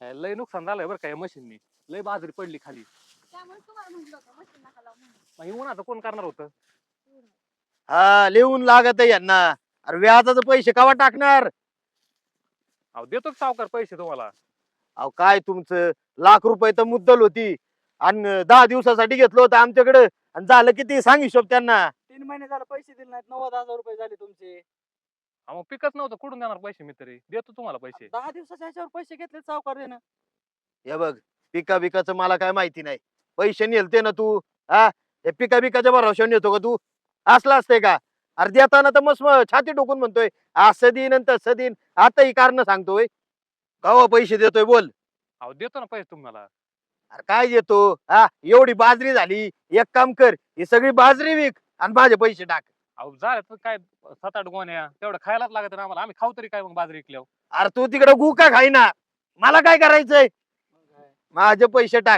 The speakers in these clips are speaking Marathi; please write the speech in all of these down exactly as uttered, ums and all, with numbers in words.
लय नुकसान झालंय बरं काय मशीननी. लय बाजरी पडली खाली. त्यामुळे तुम्हाला म्हटलं होतं मशीन नका लावू म्हणून. मग उन्हाचं कोण करणार होतं? हा लिहून लागत आहे यांना. अरे व्याजाचे पैसे कवा टाकणार? अहो देतो की सावकार पैसे तुम्हाला. अहो काय तुमचं लाख रुपये तर मुद्दल होती आणि दहा दिवसासाठी घेतलं होतं आमच्याकडे आणि झालं किती सांग हिशोब त्यांना. तीन महिने झाले पैसे दिले नाहीत. नव्वद हजार रुपये झाले तुमचे. अहो मग पिकच नव्हतं कुठून देणार पैसे मी तरी देतो तुम्हाला पैसे. दहा दिवसाच्या ह्याच्यावर पैसे घेतले सावकारीनं. हे बघ पिका बिकाचं मला काय माहिती नाही. पैसे नेलते ना तू हा हे पिका बिकाच्या भरोशावर नेतो का तू? असलं असतंय का? अरे देताना तर मस्त छाती टोकून म्हणतोय असं दिन आणि तसं दिन. आता ही कारण सांगतोय कवा पैसे देतोय बोल. अहो देतो ना पैसे तुम्हाला. अरे काय देतो हा एवढी बाजरी झाली. एक काम कर ही सगळी बाजरी विक आणि माझे पैसे टाक. अहो झालं तर काय सात आठ गोण्या तेवढं खायलाच लागत ना आम्हाला. आम्ही खाऊ तरी काय मग बाजरी विकल्यावर. अरे तू तिकडे गुका खाईना मला काय करायचंय? माझे पैसे टाक.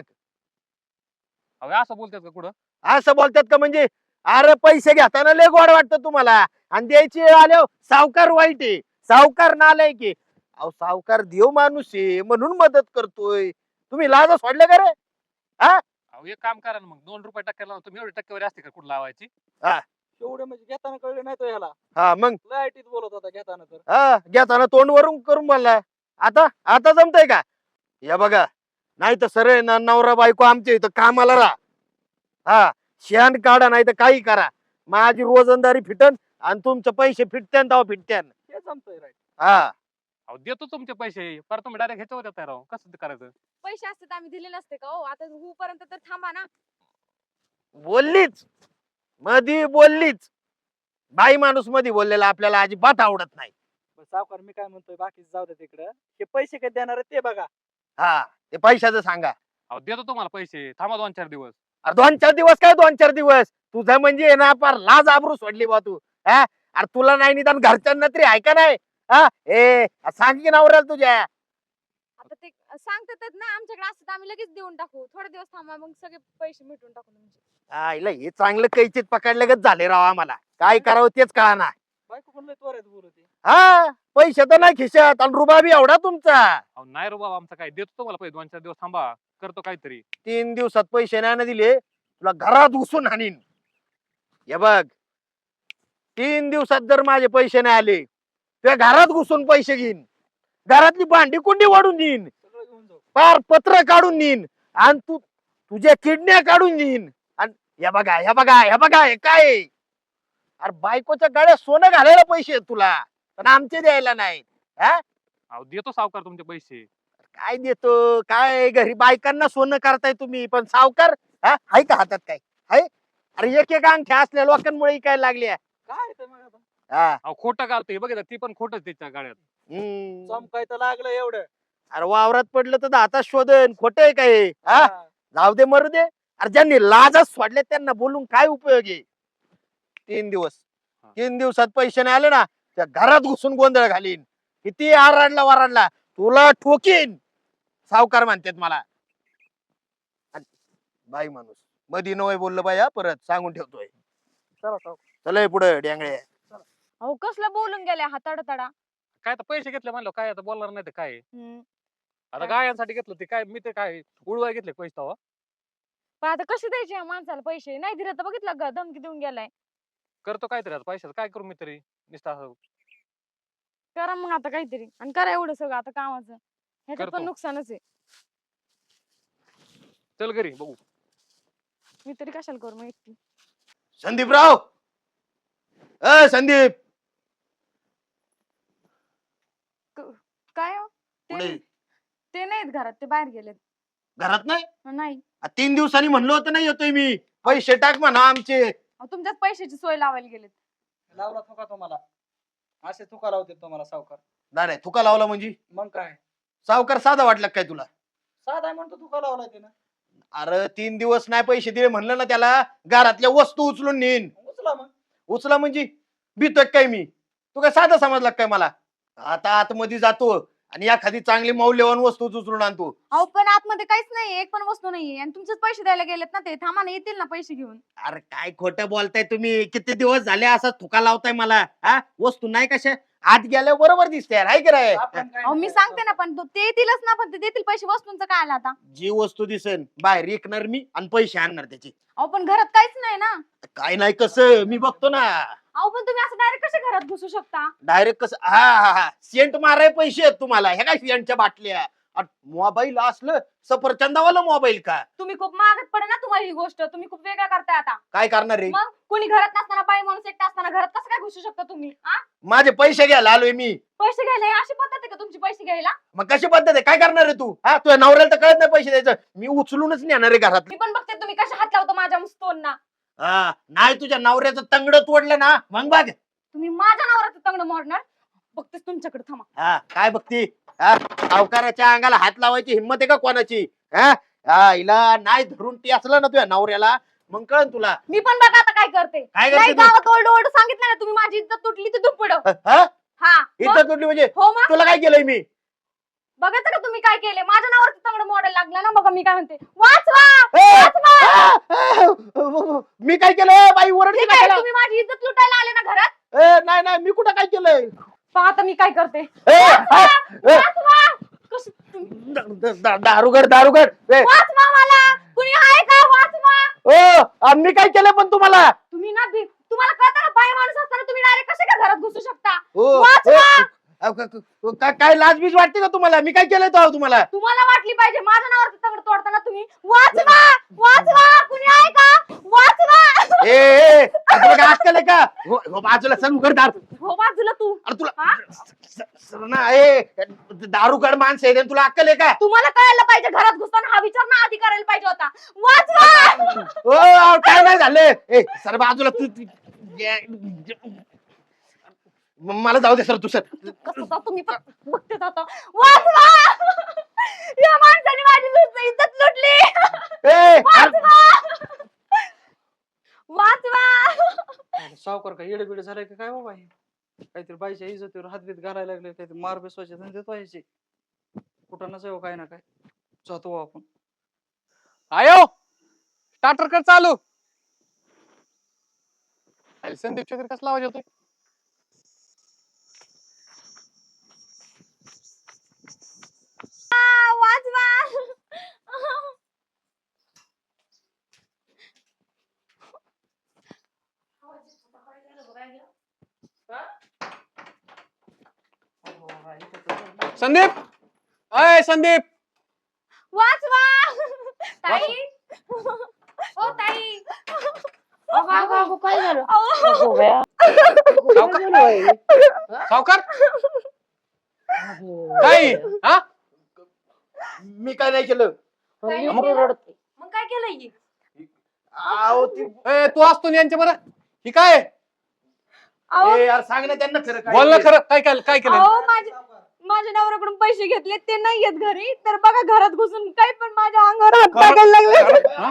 अहो असं बोलतात का कुठं? असं बोलतात का म्हणजे? अरे पैसे घेताना लय गोड वाटतं तुम्हाला आणि द्यायची वेळ आल्यावर सावकार वाईट आहे. सावकार नालाय की. अहो सावकार देव माणूस आहे म्हणून मदत करतोय. तुम्ही लाज सोडले का रे? हा अहो एक काम करा ना मग दोन रुपये टक्क्याला लावून तुम्ही एवढी टक्केवारी असते का कुठं लावायची? एवढे म्हणजे घेताना कळले नाही तो ह्याला. हा मग लय आयटीत बोलत होता घेताना तर. हा घेताना तोंड वरून करून बोलला. आता आता जमतय का? या बघा नाही तर सरळ ना नवरा बायको आमच्या इथं कामाला राहा. हा शेण काढा नाही तर काही करा. माझी रोजंदारी फिटन आणि तुमचे पैसे फिटत्यान तेव्हा फिटत्यान. हे जमतंय राईट. हा अहो देतो तुमचे पैसे पर तुम्ही डायरेक्ट ह्याच्यावर येताय राव. कसं ते करायचं? पैसे असते तर आम्ही दिले नसते का? हो आता होऊ पर्यंत तर थांबा ना. बोललीच मधी बोललीच. बाई माणूस मध्ये बोललेला आपल्याला अजिबात आवडत नाही. बरं, सावकार मी काय म्हणतोय बाकीच जाऊ दे तिकडं. हे पैसे कधी देणार आहेत ते बघा. हा ते पैशाचं सांगा. अहो देतो तुम्हाला पैसे. थांबा दोन चार दिवस. अरे दोन चार दिवस काय दोन चार दिवस तुझं म्हणजे आहे ना फार लाज आबरू सोडली बा तू. हा अरे तुला नाही निदान घरच्यांना तरी आहे का नाही? हा ए सांग की नवऱ्याला तुझ्या. आता ते सांगतात ना आमच्याकडे असतं तर आम्ही लगेच देऊन टाकू. थोडे दिवस थांबा मग सगळे पैसे मिटून टाकू तुमचे. आईला हे चांगलं कैचित पकडल्यागत झाले राव आम्हाला. काय करावं तेच कळना. बायको पण लय त्वरेत बोलते. हा पैसे तर नाही खिशात आणि रुबाबी एवढा तुमचा. अहो नाही रो बाबा आमचं काय देतो तुम्हाला पैसे दोन चार दिवस थांबा. करतो काहीतरी. तीन दिवसात पैसे नाही ना दिले तुला घरात घुसून हाणीन. हे बघ तीन दिवसात जर माझे पैसे नाही आले तुझ्या घरात घुसून पैसे घेईन. घरातली भांडी कुंडी वाढून देईन. सगळं घेऊन जाऊ. पार पत्र काढून देईन आणि तू तुझ्या किडन्या काढून देईन. आणि हे बघा हे बघा हे बघा हे काय अरे बायकोच्या गाड्या सोनं घालायला पैसे आहेत तुला पण आमचे द्यायला नाही. हा अहो देतो सावकार तुमचे पैसे. काय देतो काय घरी बायकांना सोनं करताय तुम्ही पण सावकार हा हाय का हातात काय हाय? अरे एक एक अंगठ्या असल्या लोकांमुळे काय लागल्या. काय ते मग आता हा अहो खोटं घालतोय बघितलं ती पण खोटच त्याच्या गाड्यात. हम्म. चमकाय तर लागलं एवढं. अरे वावरात पडलं तर दातात शोधन खोट आहे काय हा हा. जाऊ दे मरू दे. अरे ज्यांनी लाजच सोडले त्यांना बोलून काय उपयोग आहे? तीन दिवस हा. तीन दिवसात पैसे नाही आले ना त्या घरात घुसून गोंधळ घालीन. किती आरडला वराडला तुला ठोकीन. सावकार म्हणतात मला. आणि बाई माणूस मधी नवय बोललं बाई हा परत सांगून ठेवतोय. चला सावकार. चल पुढे डेंगळे. अहो कसलं बोलून गेल्या हाताड तडा. काय तर पैसे घेतले म्हणलं काय आता बोलणार नाही तर काय. हम्म. आता गायांसाठी घेतलं ते काय मी ते काय उडवाय घेतले पैसे तेव्हा. पण आता कसे द्यायचे या माणसाला पैसे? नाही दिले तर बघितलं का धमकी देऊन गेलाय. करतो काहीतरी आता पैशाचं काय करू मी तरी नुसतं असं. करा मग आता काहीतरी आणि करा एवढं सगळं आता कामाचं. ह्याच्यात पण करतो. नुकसानच आहे. चल घरी बघू. मी तरी कशाला करू मग एकटी. संदीपराव अ संदीप काय हो? पुढे ते ते नाहीत घरात ते बाहेर गेलेत. घरात नाही. नाही आ, तीन दिवसांनी म्हणलं होतं नाही येतोय मी पैसे टाक म्हणा आमचे. अहो, तुमच्याच पैशाची सोय लावायला गेलेत. लावला थुका तुम्हाला. असे थुका लावते तुम्हाला सावकार. नाही नाही तुका लावला म्हणजे मग काय सावकार साधा वाटला काय तुला? साधा आहे म्हणतो थुका लावलाय त्यानं. अरे तीन दिवस नाही पैसे दिले म्हणलं ना त्याला घरातल्या वस्तू उचलून नेईन. उचला मग. उचला म्हणजे भीतोय काय मी? तू काय साधा समजला काय मला? आता आतमध्ये जातो आणि एखादी चांगली मौल्यवान वस्तू उचलून आणतो. अहो पण आतमध्ये काहीच नाहीये. एक पण वस्तू नाहीये आणि तुमचेच पैसे द्यायला गेलेत ना ते. थांबा ना येतील ना पैसे घेऊन. अरे काय खोटं बोलताय तुम्ही? किती दिवस झाले असा थुका लावताय मला. हा वस्तू नाही कशा आत गेल्यावर बरोबर दिसते हाय की नाही आपण काय अहो मी नाही सांगते ना पण तो- ते देतीलच ना पण ते देतील पैसे वस्तूंचं काय आलं आता जी वस्तू दिसेल बाहेर विकणार मी आणि पैसे आणणार त्याचे अहो पण घरात काहीच नाही ना काय नाही कसं मी बघतो ना अहो पण तुम्ही असं डायरेक्ट कसे घरात घुसू शकता डायरेक्ट कसं हा हा हा सेंट माराय पैसे आहेत तुम्हाला ह्या काय सेंटच्या बाटल्या मोबाईल असलं सफरचंदावाला मोबाईल का तुम्ही खूप मागत पडे ना तुम्हाला ही गोष्ट तुम्ही खूप वेगळं करताय आता काय करणार रे मग कोणी घरात नसताना बाई माणूस एकटा असताना घरात कसं काय घुसू शकता तुम्ही आ? माझे पैसे घ्यायला आलोय मी पैसे घ्यायला ही अशी पद्धत आहे का तुमची पैसे घ्यायला मग कशी पद्धत आहे काय करणार आहे तू हा तुझ्या नवऱ्याला तर कळत नाही पैसे द्यायचं मी उचलूनच नेणार आहे घरात मी पण बघते तुम्ही कशा हात लावतो माझ्या मुस्तोंना हा नाही तुझ्या नवऱ्याचं तंगड तोडलं ना मग बघ तुम्ही माझ्या नवऱ्याचं तंगड मोडणार बघतेच तुमच्याकडे थांबा हा काय बघती हा सावकाराच्या अंगाला हात लावायची हिंमत आहे का कोणाची हा हा, हिला नाही धरून ती असलं ना तुझ्या नवऱ्याला मग कळन तुला मी पण बघा आता काय करते काय नाही करते तू? गावात ओरड ओरड सांगितलं ना तुम्ही माझी इज्जत तुटली तर दुप्पड हा? हा मग? इज्जत तुटली म्हणजे हो मग तुला काय केलंय मी बघायचं का तुम्ही काय केले माझ्या नावावरती तंगड मोडायला लागला ना बघा मी काय म्हणते वाचवा ए, वाचवा आ, आ, मी काय केलं बाई ओरडली ठीक आहे, कशाला? तुम्ही माझी इज्जत लुटायला आले ना घरात ए, नाही नाही मी कुठं काय केलंय पहा आता मी काय करते ए, आ, ए, वाचवा कसं तुम्ही- द- द- द- दारुगड दारुगड ए, वाचवा मला कुणी आहे का वाचवा ओ, आ, मी काय केलंय पण तुम्हाला तुम्ही ना बी- तुम्हाला कळतं का बाई माणूस असताना तुम्ही डायरेक्ट कसे का घरात घुसू शकता ओ, वाचवा! ए, अ, क- क- का- काय लाजबीज वाटते का तुम्हाला मी काय केलंय तो तुम्हाला तुम्हाला वाटली पाहिजे माझ्या नावावरती तंगड तोडताना तुम्ही वाचवा वाचवा कुणी आहे का वाचवा ए ए, तुला काय अक्कल आहे का हो हो, बाजूला सर उघड दार हो बाजूला तू अरे तुला हा? स- सर ना ए दारुगड माणसं आहे तुला अक्कल आहे का तुम्हाला कळायला पाहिजे घरात घुसताना हा विचार ना आधी करायला पाहिजे होता वाचवा ओ अहो, काय नाही झालं ए सर बाजूला तू तू- जे- म- मला जाऊ दे सर तू सर कसं जातो तुम्ही पण बघते जातो वाचवा या माणसाने माझी लुट- इज्जत लुटली ए वाचवा वाचवा सावकार काय येडे बिडे झालाय का काय बाबा हे काहीतरी बाईच्या इज्जतीवर हातबीत घालायला लागले काहीतरी मार बेसवायचे धंदे व्हायचे कुठं नसावं काय ना काय जातो बुवा आपण आयो स्टार्टर कर चालू अरे संदीप चौधरी कसला आवाज येतोय वाचवा संदीप अय संदीप वाचवा ताई ओ ताई काय झालं अहो. सावकार काय हा मी काय नाही केलं काय मग केलं? रडते. मग काय केलं ही? अहो ती ए, तू असतो ना यांच्या बरं ही काय अहो ए यार सांग ना त्यांना खरं काय बोल ना ते. खरं काय केलं काय केलं अहो, माझ्या माझ्या नवऱ्याकडून पैसे घेतले ते नाही येत घरी तर बघा घरात घुसून काही पण माझ्या अंगावर हात टाकायला लागले हा?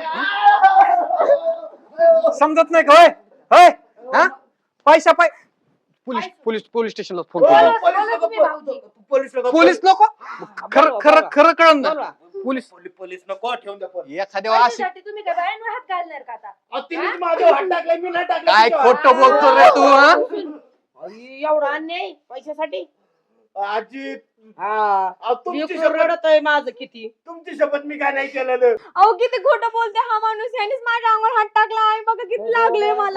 हा? समजत नाही का होय होय हा पैसा पाय पोलीस पोलीस पोलीस स्टेशनला फोन ओ, कर पोलीस लोकं, तुम्ही भाऊजी. पोलीस लोकं, पोलीस लोक खरं खरं खरं कळण ना बोला. पोलीस पोलीस पोलीस नको ठेवून द्या फोन. एखाद्या अशी पैशासाठी तुम्ही काय बायांवर हात घालणार का आता अहो, तिनेच माझ्यावर हात टाकलाय मी नाही टाकला काय तिच्यावर. खोटं बोलतो रे तू हा अई, एवढा अन्याय पैशासाठी आजी हा अहो, तुमची लेकरं शपथ रडतंय माझं किती तुमची शपथ मी काय नाही केलेलं अहो किती खोटं बोलते हा माणूस यांनीच माझ्या अंगावर हात टाकला आहे बघा किती लागले मला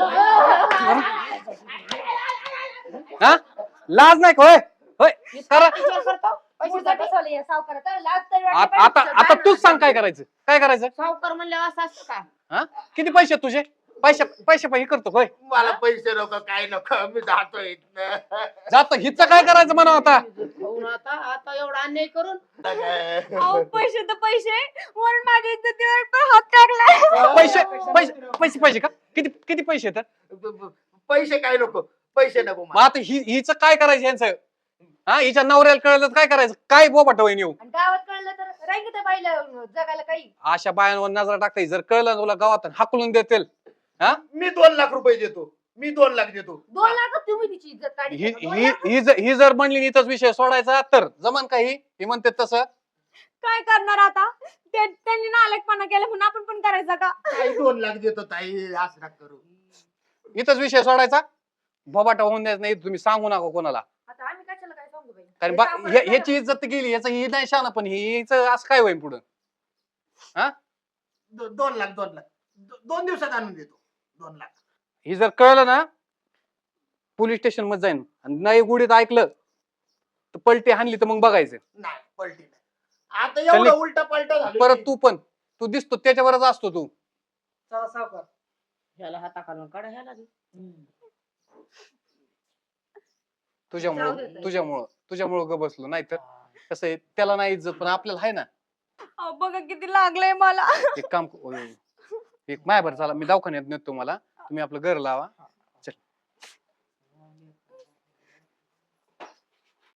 हा लाज नाही का होय होय करा विचार करतो पैशासाठी आ- आता आता तूच सांग काय करायचं काय करायचं सावकार म्हणल्यावर असं असतं का हा किती पैसे आहेत तुझे पैसे पैसे पैसे करतो होय मला पैसे नको काय नको मी जातोय इथनं. जात हिच काय करायचं म्हणा आता हो ना, आता आता एवढा अन्याय करून अहो पैसे तर पैसे वरून माझ्या इज्जतीवर पण हात टाकलाय पैसे पैसे पैसे पैसे का किती किती पैसे आहेत पैसे काय नको पैसे नको मग मला. आता हि हिचं काय करायचं यांचं हा हिच्या नवऱ्याला कळलं तर काय करायचं काय बोबाट होईन येऊ आणि गावात कळलं तर राहील त्या बाईला जगायला काही अशा बायांवर नजर टाकता जर कळलं ना तुला गावात हाकलून देतील मी दोन लाख रुपये देतो मी दोन लाख देतो दोन लाख तुम्ही तिची इज्जत काढली ही दोन ही लाख? ही जर ही जर म्हणली इथंच विषय सोडायचा तर जमन काही ही म्हणते तसं काय करणार आता ते त्यांनी नालकपणा केला म्हणून आपण पण करायचा का ताई दोन लाख देतो ताई असं नका करू इथंच विषय सोडायचा बबाटा होऊन द्यायचं नाही तुम्ही सांगू नका कोणाला आता आम्ही कशाला काय सांगू बाई कारण हे बा- सापडलं ह्या- तर- ह्याची इज्जत गेली याचं ही नाही शाना पण हिचं असं काय होईल पुढं दो- दोन लाख दोन लाख दो- दोन दिवसात आणून देतो दोन लाख ही जर कळलं ना पोलीस स्टेशन मध्ये जाईन आणि नाही गुढीत ऐकलं तर पलटी हाणली तर मग बघायचं नाही पलटी नाही आता एवढं चल. उलट पलट झालं परत तू पण तू दिसतो त्याच्यावरच असतो तू चला सावकार. ह्याला हाता घालून काढा ह्याला बी. जाऊ दे तुझ्यामुळं ताई. तुझ्यामुळं तुझ्यामुळं ग बसलो नाही तर कसं आहे त्याला नाही इज्जत पण आपल्याला आहे ना अहो, बघा किती लागलंय मला एक काम क- ओय, एक मायाभर चला मी दवाखान्यात नेतो तुम्हाला तुम्ही आपलं घर लावा